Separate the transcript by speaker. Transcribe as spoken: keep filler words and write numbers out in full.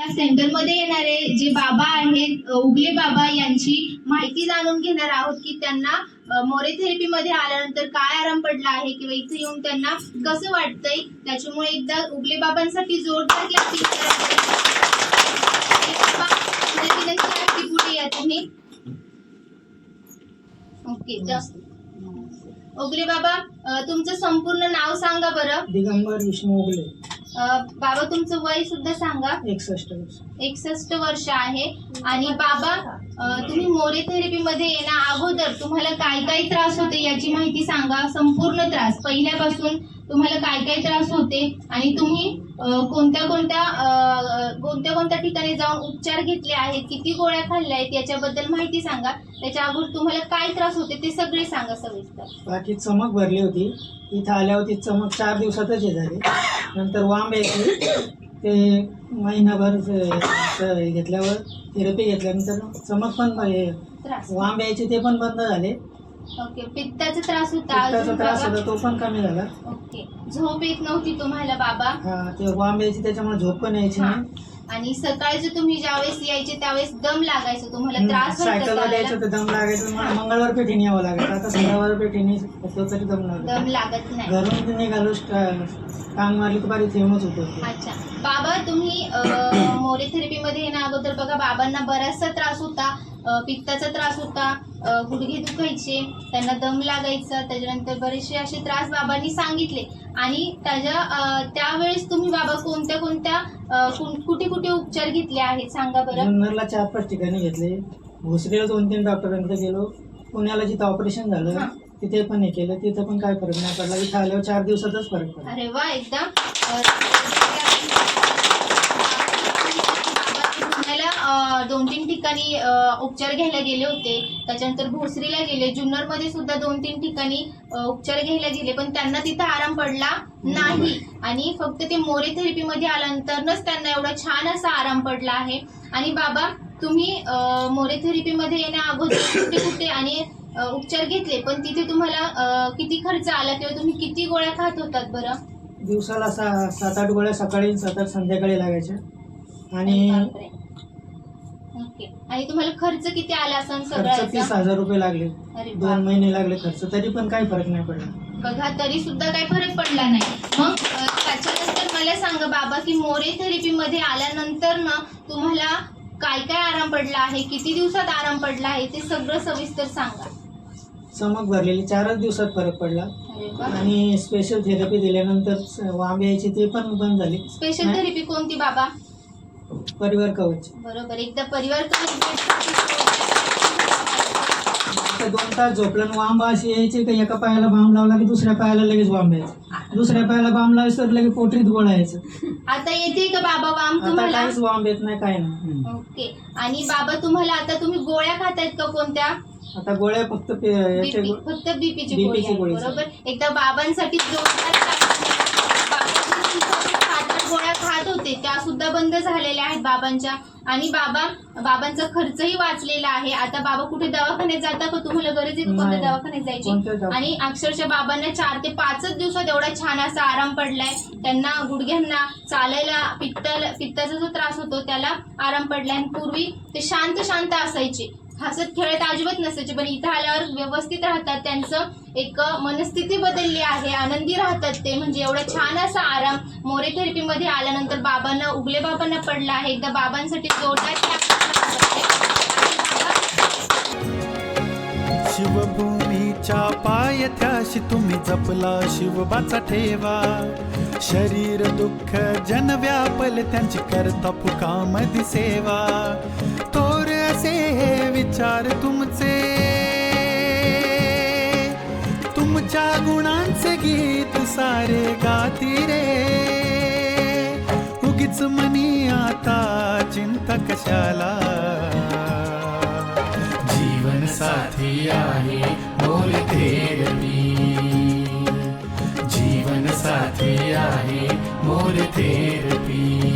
Speaker 1: या सेंटरमध्ये येणारे जे बाबा आहेत, उगले बाबा, यांची माहिती जाणून घेणार आहोत की त्यांना मोरे थेरपी मध्ये आल्यानंतर काय आराम पडला आहे किंवा इथे येऊन त्यांना कसं वाटतंय. त्याच्यामुळे एकदा उगले बाबांसाठी जोरदार क्लॅपिंग करा. पुढे या तुम्ही. ओके, जास्त उगले बाबा, तुमचं संपूर्ण नाव सांगा बरं.
Speaker 2: दिगंबर विष्णू उगले.
Speaker 1: बाबा तुमचं वय सुद्धा सांगा.
Speaker 2: एकसष्ट वर्ष.
Speaker 1: एकसष्ट वर्ष आहे. आणि बाबा, तुम्ही मोरे थेरपी मध्ये येण्या अगोदर तुम्हाला काय काय त्रास होते याची माहिती सांगा. संपूर्ण त्रास पहिल्यापासून तुम्हाला काय काय त्रास होते आणि तुम्ही कोणत्या कोणत्या कोणत्या कोणत्या ठिकाणी जाऊन उपचार घेतले आहेत, किती गोळ्या खाल्ल्या आहेत याच्याबद्दल माहिती सांगा. त्याच्या अगोदर तुम्हाला काय त्रास होते ते सगळे सांगा सविस्तर.
Speaker 2: बाकी चमक भरली होती, इथं आल्यावरती चमक चार दिवसातच हे झाली. नंतर वांब यायची, ते महिनाभर घेतल्यावर थेरपी घेतल्यानंतर चमक पण वांब यायची ते पण बंद झाले.
Speaker 1: ओके, पित्ताचा त्रास होता.
Speaker 2: पित्ताचा त्रास होता तो पण कमी झाला.
Speaker 1: ओके, झोप येत नव्हती तुम्हाला बाबा.
Speaker 2: हा, ते वांब यायची त्याच्यामुळे झोप पण यायची नाही.
Speaker 1: आणि सकाळचे तुम्ही ज्यावेळेस यायचे त्यावेळेस दम लागायचं, तुम्हाला त्रास
Speaker 2: सायकलवर द्यायचं तर दम लागायचं. मला मंगळवार पेठीने यावं लागायचं. आता सोमवार पेठीने तरी दम लागत
Speaker 1: दम लागत नाही.
Speaker 2: घरून निघालो, काम मारली तर बारी येऊनच होतो.
Speaker 1: अच्छा बाबा, तुम्ही मोरे थेरपी मध्ये येण्या अगोदर बघा बाबांना बराचसा त्रास होता. पित्ताचा त्रास होता, गुडघे दुखायचे, त्यांना दम लागायचा, त्याच्यानंतर बरेचसे असे त्रास बाबांनी सांगितले. आणि त्याच्या त्यावेळेस तुम्ही बाबा कोणत्या कोणत्या कुठे कुठे उपचार घेतले आहेत सांगा बरं.
Speaker 2: जुन्नरला चार पाच ठिकाणी घेतले, भोसरीला दोन तीन डॉक्टरांकडे गेलो, पुण्याला जिथं ऑपरेशन झालं तिथे पण हे केलं, तिथं पण काय फरक नाही पडला. इथं आल्यावर चार दिवसातच फरक पडला.
Speaker 1: अरे वा, एकदम. दोन तीन ठिकाणी उपचार घ्यायला गेले होते, त्याच्यानंतर भोसरीला गेले, जुन्नर मध्ये सुद्धा दोन तीन ठिकाणी उपचार घ्यायला गेले, पण त्यांना तिथं आराम पडला नाही. आणि फक्त ते मोरे थेरपी मध्ये आल्यानंतरच त्यांना एवढा छान असा आराम पडला आहे. आणि बाबा, तुम्ही मोरे थेरपी मध्ये येण्या अगोदर कुठे कुठे आणि उपचार घेतले, पण तिथे तुम्हाला किती खर्च आला किंवा तुम्ही किती गोळ्या खात होतात बरं.
Speaker 2: दिवसाला सा सात आठ गोळ्या सकाळी सात आठ संध्याकाळी लागायच्या. आणि
Speaker 1: ओके, आणि तुम्हाला खर्च किती आला असं
Speaker 2: खर्च तीस हजार रुपये लागले. दोन महिने लागले खर्च, तरी पण काही फरक नाही पडला.
Speaker 1: बघा, तरी सुद्धा काही फरक पडला नाही. मग त्याच्यानंतर मला सांगा बाबा की मोरे थेरपी मध्ये आल्यानंतर ना तुम्हाला काय काय आराम पडला आहे, किती दिवसात आराम पडला आहे ते सगळं सविस्तर सांगा.
Speaker 2: चमक भरलेली चारच दिवसात फरक पडला. आणि स्पेशल थेरपी दिल्यानंतर वांब यायची ते पण बंद झाली.
Speaker 1: स्पेशल थेरपी कोणती बाबा.
Speaker 2: परिवार कवच.
Speaker 1: बरोबर, एकदा परिवार कवच.
Speaker 2: दोन तास झोपलं वांब अशी यायची की एका पायाला बांब लावला की दुसऱ्या पायाला लगेच वांब यायचं, दुसऱ्या पायाला बांब लावायचं तर लगेच पोटरीत गोळा यायचं.
Speaker 1: आता येते का बाबा वांब तुम्हाला.
Speaker 2: काहीच वांब येत नाही, काय नाही.
Speaker 1: ओके, आणि बाबा तुम्हाला आता तुम्ही गोळ्या खातायत का कोणत्या.
Speaker 2: आता गोळ्या फक्त
Speaker 1: फक्त बीपीची गोळी. बरोबर, एकदा बाबांसाठी जोरदार गोळ्या खात होते त्या सुद्धा बंद झालेल्या आहेत बाबांच्या. आणि बाबा बाबांचा खर्चही वाचलेला आहे. आता बाबा कुठे दवाखान्यात जाता का, तुम्हाला गरज आहे कोणत्या दवाखान्यात जायची. आणि अक्षरशः बाबांना चार ते पाचच दिवसात एवढा छान असा आराम पडलाय. त्यांना गुडघ्यांना चालायला पित्त पित्ताचा जो त्रास होतो त्याला आराम पडलाय. आणि पूर्वी ते शांत शांत असायचे, हसत खेळत अजिबात नसायचे, पण इथं आल्यावर व्यवस्थित राहतात. त्यांचं एक मनस्थिती बदलली आहे, आनंदी राहतात ते. म्हणजे एवढा छान असा आराम मोरे थेरपी मध्ये आल्यानंतर बाबांना, उगले बाबांना पडला आहे. एकदा बाबांसाठी जोरदार
Speaker 3: शिवभूमीच्या पायथ्याशी तुम्ही जपला शिवबाचा ठेवा. शरीर दुःख जन व्यापल त्यांची करता फुकामधी सेवा. थोर असे हे विचार तुमचे, तुमच्या गुणांचे गीत सारे गाती रे. उगीच मनी आता चिंता कशाला. जीवन साथी आहे मोरे थेरपी, जीवन साथी आहे मोरे थेरपी.